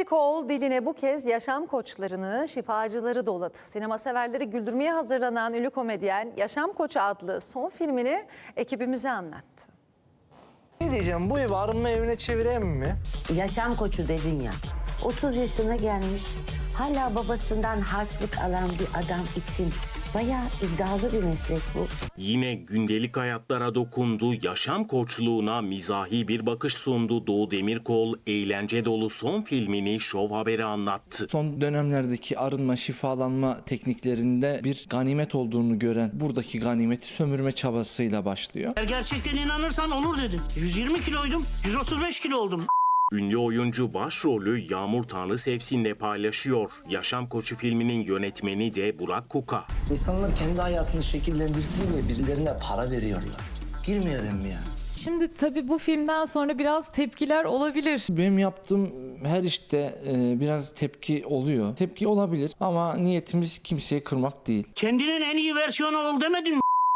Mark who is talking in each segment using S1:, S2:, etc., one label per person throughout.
S1: Demirkol diline bu kez yaşam koçlarını, şifacıları doladı. Sinema severleri güldürmeye hazırlanan ünlü komedyen Yaşam Koçu adlı son filmini ekibimize anlattı.
S2: Ne diyeceğim, bu evi arınma evine çevireyim mi?
S3: Yaşam koçu dedim ya. 30 yaşına gelmiş, hala babasından harçlık alan bir adam için bayağı iddialı bir meslek bu.
S4: Yine gündelik hayatlara dokundu, yaşam koçluğuna mizahi bir bakış sundu. Doğu Demirkol eğlence dolu son filmini Show Haber'e anlattı.
S5: Son dönemlerdeki arınma, şifalanma tekniklerinde bir ganimet olduğunu gören buradaki ganimeti sömürme çabasıyla başlıyor.
S6: Eğer gerçekten inanırsan olur dedin. 120 kiloydum, 135 kilo oldum.
S4: Ünlü oyuncu başrolü Yağmur Tanrısevsin'le paylaşıyor. Yaşam Koçu filminin yönetmeni de Burak Kuka.
S7: İnsanlar kendi hayatını şekillendirsin diye birilerine para veriyorlar. Girmeyelim mi ya?
S8: Şimdi tabii bu filmden sonra biraz tepkiler olabilir.
S5: Benim yaptığım her işte biraz tepki oluyor. Tepki olabilir ama niyetimiz kimseyi kırmak değil.
S6: Kendinin en iyi versiyonu ol demedin mi?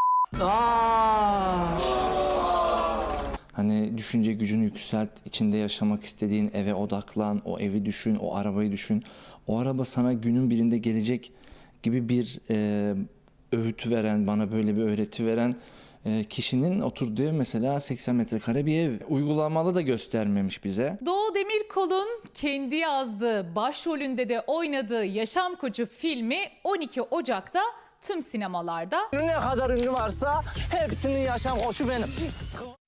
S5: Hani düşünce gücünü yükselt, içinde yaşamak istediğin eve odaklan, o evi düşün, o arabayı düşün. O araba sana günün birinde gelecek gibi bir öğüt veren, bana böyle bir öğreti veren kişinin oturduğu ev mesela 80 metrekare bir ev. Uygulamalı da göstermemiş bize.
S8: Doğu Demirkol'un kendi yazdığı, başrolünde de oynadığı Yaşam Koçu filmi 12 Ocak'ta tüm sinemalarda.
S2: Ne kadar ünlü varsa hepsinin yaşam koçu benim.